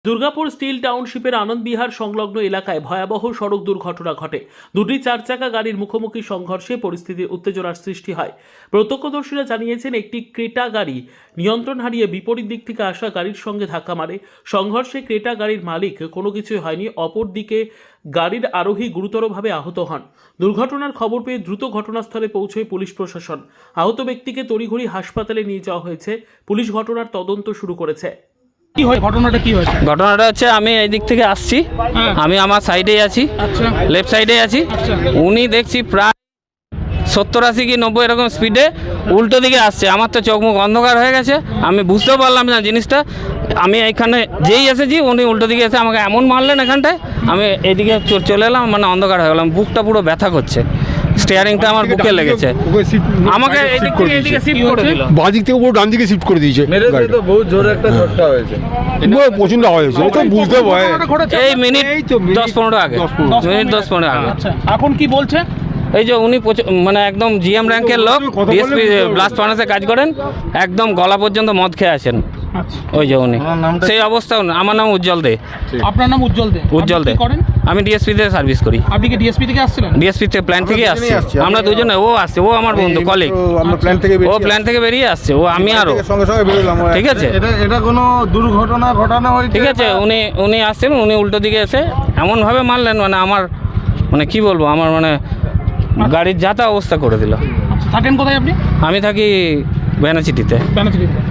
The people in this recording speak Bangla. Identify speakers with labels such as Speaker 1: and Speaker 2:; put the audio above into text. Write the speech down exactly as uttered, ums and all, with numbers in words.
Speaker 1: দুর্গাপুর স্টিল টাউনশিপের আনন্দবিহার সংলগ্ন এলাকায় ভয়াবহ সড়ক দুর্ঘটনা ঘটে। দুটি চার চাকা গাড়ির মুখোমুখি সংঘর্ষে পরিস্থিতির উত্তেজনার সৃষ্টি হয়। প্রত্যক্ষদর্শীরা জানিয়েছেন, একটি ক্রেটা গাড়ি নিয়ন্ত্রণ হারিয়ে বিপরীত দিক থেকে আসা গাড়ির সঙ্গে ধাক্কা মারে। সংঘর্ষে ক্রেটা গাড়ির মালিক কোনো কিছুই হয়নি, অপরদিকে গাড়ির আরোহী গুরুতরভাবে আহত হন। দুর্ঘটনার খবর পেয়ে দ্রুত ঘটনাস্থলে পৌঁছয় পুলিশ প্রশাসন। আহত ব্যক্তিকে তড়িঘড়ি হাসপাতালে নিয়ে যাওয়া হয়েছে। পুলিশ ঘটনার তদন্ত শুরু করেছে।
Speaker 2: কি হয় ঘটনাটা কি হয়েছে?
Speaker 3: ঘটনাটা হচ্ছে আমি এই দিক থেকে আসছি, আমি আমার সাইডেই আছি, লেফট সাইডে আছি। উনি দেখছি প্রায় সত্তর আশি কি নব্বই এরকম স্পিডে উল্টো দিকে আসছে। আমার তো চোখ মুখ অন্ধকার হয়ে গেছে, আমি বুঝতেও পারলাম না জিনিসটা। আমি এইখানে যেই এসেছি উনি উল্টো দিকে এসে আমাকে এমন মারলেন এখানটায়, আমি এইদিকে চলে এলাম, মানে অন্ধকার হয়ে গেলাম। বুকটা পুরো ব্যথা করছে, স্টিয়ারিংটা আমার বুকে লেগেছে। আমাকে এইদিক থেকে এইদিকে শিফট করে দিল,
Speaker 4: বাদিক থেকে পুরো ডান দিকে শিফট করে দিয়েছে।
Speaker 5: মেরেছে তো বহুত জোরে একটা ঝটকা হয়েছে,
Speaker 4: প্রচন্ড আওয়াজ হয়েছে, এটা বুঝতে পারে।
Speaker 3: এই মিনিট দশ পনেরো আগে, মিনিট দশ পনেরো আগে।
Speaker 2: আচ্ছা, এখন কি বলছে?
Speaker 3: এই যে উনি মানে একদম জিএম র্যাঙ্কের লোক, ডিএসপি ব্লাস্ট ফার্নাসে কাজ করেন, একদম গলা পর্যন্ত মদ খেয়ে আসেন। ওই যে উনি সেই অবস্থা। আমার নাম উজ্জ্বল দে।
Speaker 2: আপনার নাম উজ্জ্বল দে?
Speaker 3: উজ্জ্বল দে। আমি ডিএসপি তে সার্ভিস করি।
Speaker 2: আপনি কি ডিএসপি থেকে আসছিলেন?
Speaker 3: ডিএসপি থেকে প্ল্যান থেকে আসছি আমরা দুজনে। ও আসছে, ও আমার বন্ধু কলিগ,
Speaker 4: আমরা প্ল্যান থেকে
Speaker 3: ও প্ল্যান থেকে বেরিয়ে আসছে, ও আমি আরো
Speaker 4: সঙ্গে সঙ্গে বেরোলাম।
Speaker 3: ঠিক আছে,
Speaker 5: এটা এটা কোনো দুর্ঘটনা ঘটানো হয়েছে?
Speaker 3: ঠিক আছে। উনি উনি আসছেন, উনি উল্টো দিকে এসে এমনভাবে মারলেন, মানে আমার মানে কি বলবো, আমার মানে গাড়ির যাতা অবস্থা করে দিল।
Speaker 2: থাকেন কোথায় আপনি?
Speaker 3: আমি থাকি বেনাচিটিতে।
Speaker 2: বেনাচিটিতে।